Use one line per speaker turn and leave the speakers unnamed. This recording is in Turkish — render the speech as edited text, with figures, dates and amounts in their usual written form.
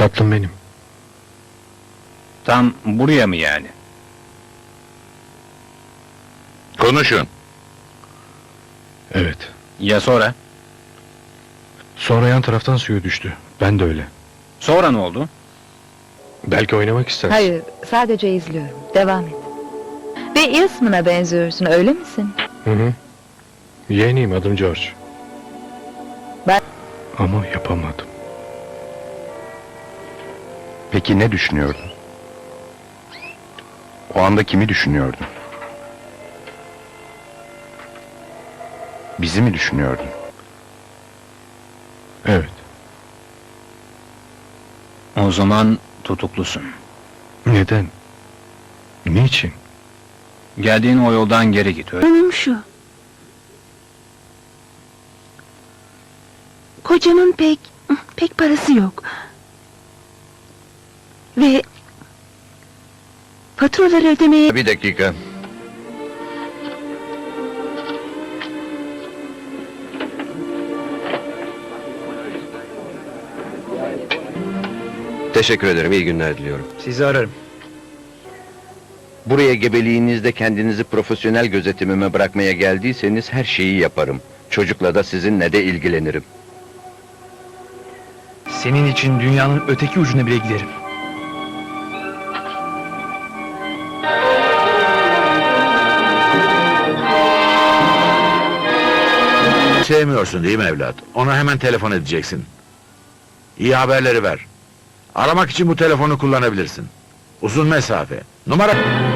Tatlım benim.
Tam buraya mı yani?
Konuşun.
Evet.
Ya sonra?
Sonra yan taraftan suya düştü. Ben de öyle.
Sonra ne oldu?
Belki oynamak istersin.
Hayır, sadece izliyorum. Devam et. Ve Eastman'a benziyorsun, öyle misin?
Hı hı. Yeğeniyim, adım George.
Ben-
Ama yapamadım.
Peki ne düşünüyordun? O anda kimi düşünüyordun? Bizi mi düşünüyordun?
Evet.
O zaman tutuklusun.
Neden? Niçin?
Geldiğin o yoldan geri git.
Sorunum şu. Kocamın pek parası yok. Ve faturaları ödemeye...
Bir dakika.
Teşekkür ederim, iyi günler diliyorum.
Sizi ararım.
Buraya gebeliğinizde kendinizi profesyonel gözetimime bırakmaya geldiyseniz her şeyi yaparım. Çocukla da sizinle de ilgilenirim.
Senin için dünyanın öteki ucuna bile giderim.
Sevmiyorsun değil mi evlat? Ona hemen telefon edeceksin. İyi haberleri ver. Aramak için bu telefonu kullanabilirsin. Uzun mesafe. Numara...